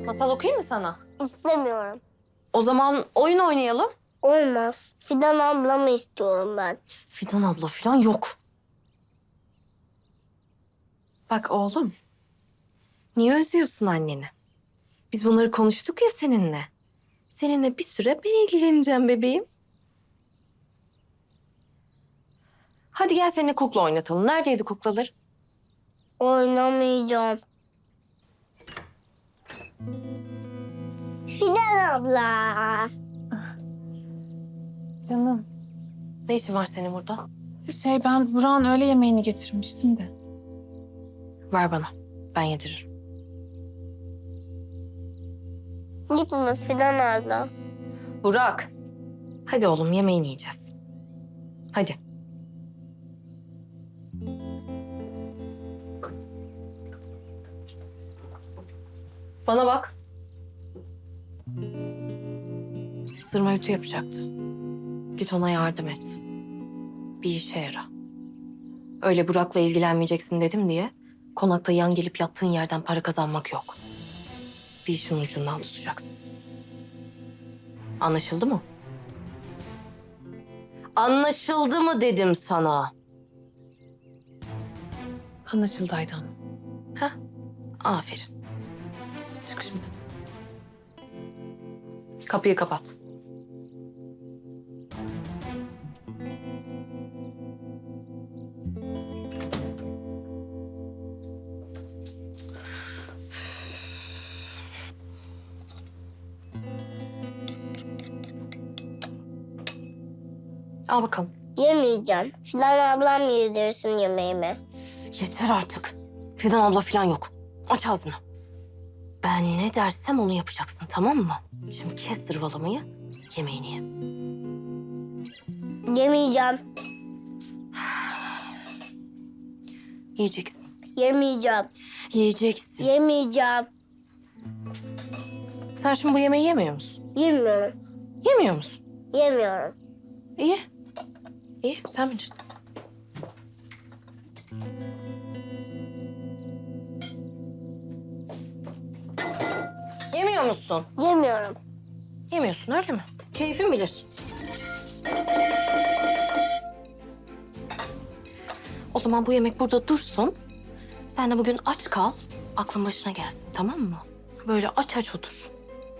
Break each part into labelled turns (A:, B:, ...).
A: Masal okuyayım mı sana?
B: İstemiyorum.
A: O zaman oyun oynayalım.
B: Olmaz. Fidan ablamı istiyorum ben.
A: Fidan abla falan yok. Bak oğlum. Niye üzüyorsun anneni? Biz bunları konuştuk ya seninle. Seninle bir süre ben ilgileneceğim bebeğim. Hadi gel seninle kukla oynatalım. Neredeydi kuklalar?
B: Oynamayacağım. Fidan abla.
C: Canım.
A: Ne işin var senin burada?
C: Ben Burak'ın öğle yemeğini getirmiştim de.
A: Ver bana. Ben yediririm.
B: Gitme Fidan abla.
A: Burak. Hadi oğlum yemeğini yiyeceğiz. Hadi. Bana bak. Sırma ütü yapacaktı. Git ona yardım et. Bir işe yara. Öyle Burak'la ilgilenmeyeceksin dedim diye konakta yan gelip yattığın yerden para kazanmak yok. Bir işin ucundan tutacaksın. Anlaşıldı mı? Anlaşıldı mı dedim sana.
C: Anlaşıldı Aydan.
A: Heh, aferin. Çık şimdi. Kapıyı kapat. Al bakalım.
B: Yemeyeceğim. Fidan ablam yedirsin yemeğimi.
A: Yeter artık. Fidan abla falan yok. Aç ağzını. Ben ne dersem onu yapacaksın, tamam mı? Şimdi kes zırvalamayı, yemeğini ye.
B: Yemeyeceğim.
A: Yiyeceksin.
B: Yemeyeceğim.
A: Yiyeceksin.
B: Yemeyeceğim.
A: Sen şimdi bu yemeği yemiyor musun?
B: Yemiyorum.
A: Yemiyor musun?
B: Yemiyorum.
A: İyi. İyi, sen bilirsin. Yemiyor musun?
B: Yemiyorum.
A: Yemiyorsun öyle mi? Keyfin bilir. O zaman bu yemek burada dursun. Sen de bugün aç kal, aklın başına gelsin, tamam mı? Böyle aç aç otur.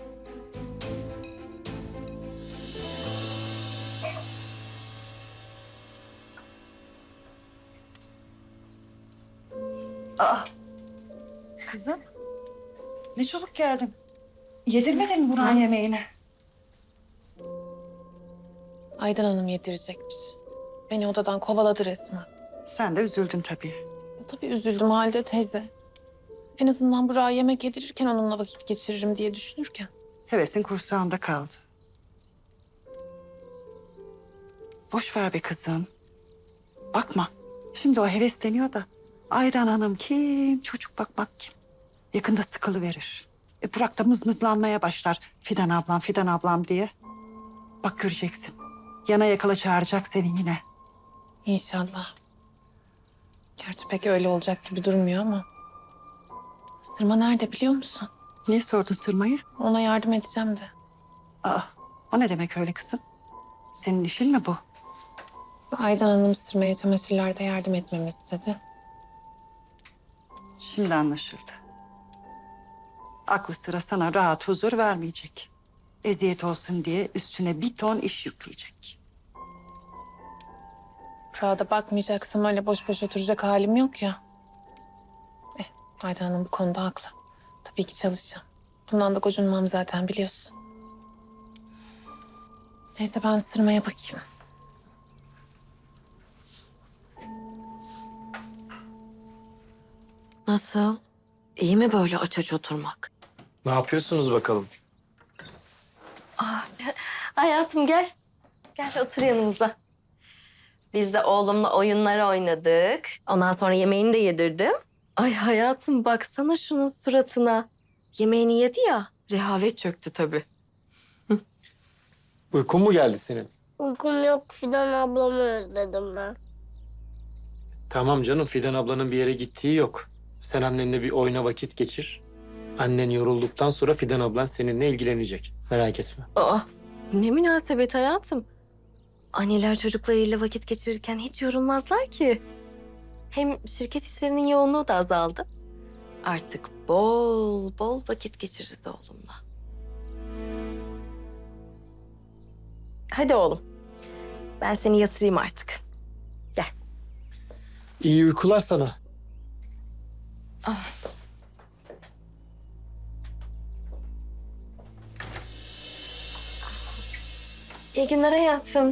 D: Kızım, ne çabuk geldin. Yedirmedin mi Burak'ın yemeğini?
C: Aydan Hanım yedirecekmiş. Beni odadan kovaladı resmen.
D: Sen de üzüldün tabii.
C: Tabii üzüldüm halde teyze. En azından Burak'a yemek yedirirken onunla vakit geçiririm diye düşünürken.
D: Hevesin kursağında kaldı. Boş ver be kızım. Bakma, şimdi o hevesleniyor da. Aydan Hanım kim, çocuk bakmak kim? Yakında sıkılıverir. Burak da mızmızlanmaya başlar. Fidan ablam diye. Bak göreceksin. Yana yakala çağıracak seni yine.
C: İnşallah. Gerçi pek öyle olacak gibi durmuyor ama. Sırma nerede biliyor musun?
D: Niye sordun Sırma'yı?
C: Ona yardım edeceğim de.
D: Aa, o ne demek öyle kızım? Senin işin mi bu?
C: Aydan Hanım Sırma'ya çamaşırlarda yardım etmemi istedi.
D: Şimdi anlaşıldı. Aklı sıra sana rahat huzur vermeyecek. Eziyet olsun diye üstüne bir ton iş yükleyecek.
C: Burak'a da bakmayacaksam öyle boş boş oturacak halim yok ya. Aydan Hanım bu konuda haklı. Tabii ki çalışacağım. Bundan da gocunmam zaten biliyorsun. Neyse ben Sırma'ya bakayım.
A: Nasıl? İyi mi böyle aç aç oturmak?
E: Ne yapıyorsunuz bakalım?
A: Hayatım gel. Gel otur yanımıza. Biz de oğlumla oyunlar oynadık. Ondan sonra yemeğini de yedirdim. Ay hayatım baksana şunun suratına. Yemeğini yedi ya, rehavet çöktü tabii.
E: Uykun mu geldi senin?
B: Uykum yok. Fidan ablamı özledim ben.
E: Tamam canım, Fidan ablanın bir yere gittiği yok. Sen annenle bir oyuna vakit geçir. Annen yorulduktan sonra Fidan ablan seninle ilgilenecek. Merak etme.
A: Aa, ne münasebet hayatım. Anneler çocuklarıyla vakit geçirirken hiç yorulmazlar ki. Hem şirket işlerinin yoğunluğu da azaldı. Artık bol bol vakit geçiririz oğlumla. Hadi oğlum. Ben seni yatırayım artık. Gel.
E: İyi uykular sana.
A: İyi günler hayatım.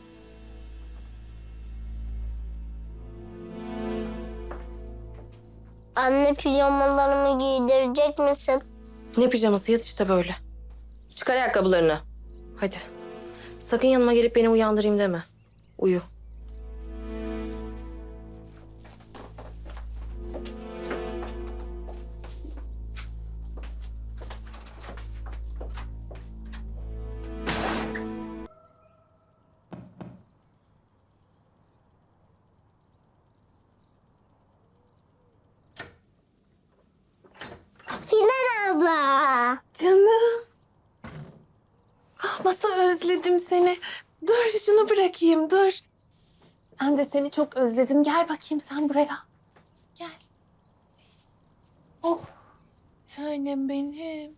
B: Anne pijamalarımı giydirecek misin?
A: Ne pijaması, yat işte böyle. Çıkar ayakkabılarını. Hadi. Sakın yanıma gelip beni uyandırayım deme. Uyu.
B: Fidan abla.
C: Canım. Ah, nasıl özledim seni. Dur şunu bırakayım, dur. Ben de seni çok özledim. Gel bakayım sen buraya. Gel. Oh. Tanem benim.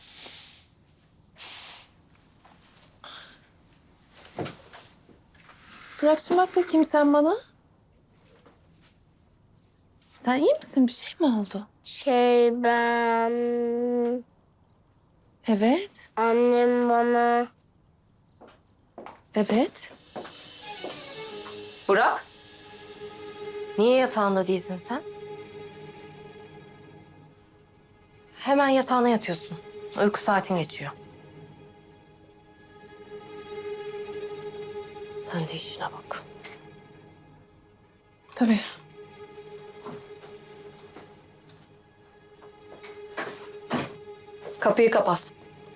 C: Bırak şimdi bak bakayım sen bana. Sen iyi misin? Bir şey mi oldu?
B: Ben...
C: Evet.
B: Annem bana...
C: Evet.
A: Burak. Niye yatağında değilsin sen? Hemen yatağına yatıyorsun. Uyku saatin geçiyor. Sen de işine bak.
C: Tabii.
A: Kapıyı kapat.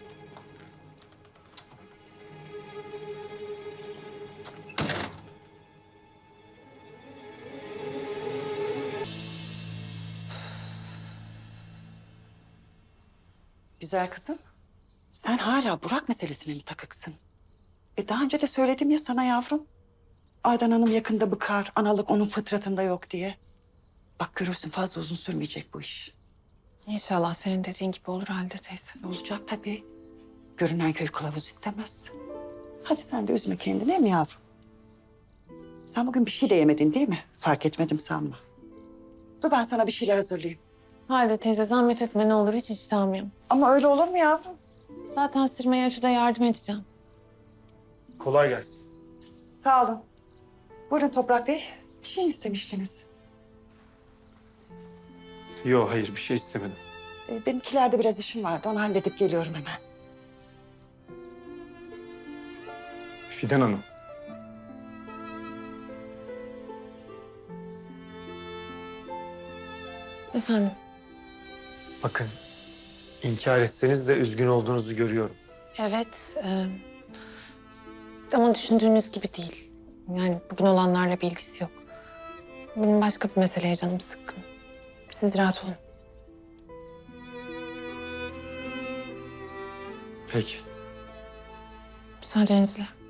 D: Güzel kızım. Sen hala Burak meselesine mi takıksın? Daha önce de söyledim ya sana yavrum. Aydan Hanım yakında bıkar, analık onun fıtratında yok diye. Bak görürsün fazla uzun sürmeyecek bu iş.
C: İnşallah senin dediğin gibi olur Halide teyze.
D: Olacak tabii. Görünen köy kılavuz istemez. Hadi sen de üzme kendini değil mi yavrum? Sen bugün bir şey de yemedin değil mi? Fark etmedim sanma. Dur ben sana bir şeyler hazırlayayım.
C: Halide teyze zahmet etme ne olur hiç iştahım yok.
D: Ama öyle olur mu yavrum?
C: Zaten sırmaya şurada yardım edeceğim.
E: Kolay gelsin.
D: Sağ olun. Buyurun Toprak Bey. Bir şey istemiştiniz.
E: Yok hayır bir şey istemedim.
D: Benimkilerde biraz işim vardı. Onu halledip geliyorum hemen.
E: Fidan Hanım.
C: Efendim?
E: Bakın inkar etseniz de üzgün olduğunuzu görüyorum.
C: Evet. Ama düşündüğünüz gibi değil. Yani bugün olanlarla bir ilgisi yok. Benim başka bir meseleye canım sıkkın. Siz rahat olun.
E: Peki.
C: Müsaadenizle.